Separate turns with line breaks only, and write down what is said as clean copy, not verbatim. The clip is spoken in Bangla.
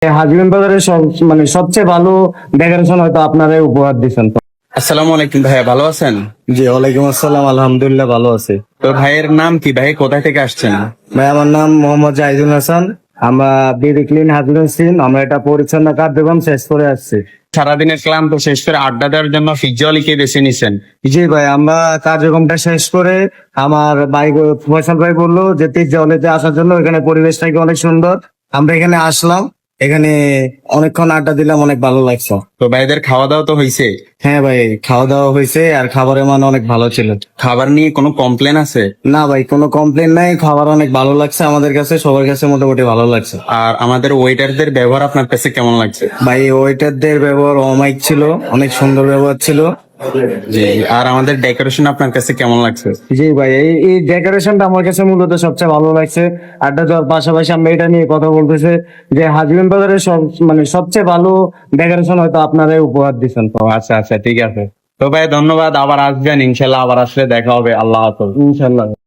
হাজবেন্ড বাজারের সবচেয়ে ভালো ডেকোরেশন হয়তো আপনারাই উপহার দিচ্ছেন।
আসসালামু আলাইকুম ভাইয়া, ভালো আছেন?
জি, ওয়ালাইকুম আসসালাম, আলহামদুলিল্লাহ ভালো আছে।
তো ভাইয়ের নাম কি? ভাই কোথায় থেকে আসছেন?
ভাই আমার নাম মোহাম্মদ জাহিদুল হাসান। আমরা বিডি ক্লিন হাজবেন্ড সিন, আমরা এটা পরিচ্ছন্ন কার্যক্রম শেষ করে আসছি।
সারাদিনের ক্লান্ত শেষ করে আড্ডা দেওয়ার জন্য পিজ্জা অলিকে বেছে নিছেন।
জি ভাই, আমরা কার্যক্রমটা শেষ করে আমার ভাই ফয়সাল ভাই বললো যে পিৎজা হলেতে আসার জন্য, এখানে পরিবেশটা কি অনেক সুন্দর। আমরা এখানে আসলাম, এখানে অনেকক্ষণ আড্ডা দিলাম, অনেক ভালো লাগছে।
তো ভাইদের খাওয়া দাওয়া তো হয়েছে?
হ্যাঁ ভাই, খাওয়া দাওয়া হয়েছে আর খাবারের মান অনেক ভালো ছিল।
খাবার নিয়ে কোনো কমপ্লেন আছে?
না ভাই, কোনো কমপ্লেন নাই, খাবার অনেক ভালো লাগছে আমাদের কাছে, সবার কাছে মোটামুটি ভালো লাগছে।
আর আমাদের ওয়েটারদের ব্যবহার আপনার কাছে কেমন লাগছে?
ভাই ওয়েটারদের ব্যবহার অমাইক ছিল, অনেক সুন্দর ব্যবহার ছিল।
জি। আর আমাদের ডেকোরেশন আপনার কাছে কেমন লাগছে?
জি ভাই, এই ডেকোরেশনটা আমার কাছে মূলত সবচেয়ে ভালো লাগছে। আড্ডা দেওয়ার পাশাপাশি আমরা এটা নিয়ে কথা বলতেছে যে হাজবেন্ড বাজারের সবচেয়ে ভালো ডেকোরেশন হয়তো আপনারাই উপহার দিচ্ছেন।
ও আচ্ছা আচ্ছা, ঠিক আছে। তো ভাই ধন্যবাদ, আবার আসবেন ইনশাল্লাহ, আবার আসলে দেখা হবে। আল্লাহ হাফেজ।
ইনশাল্লাহ।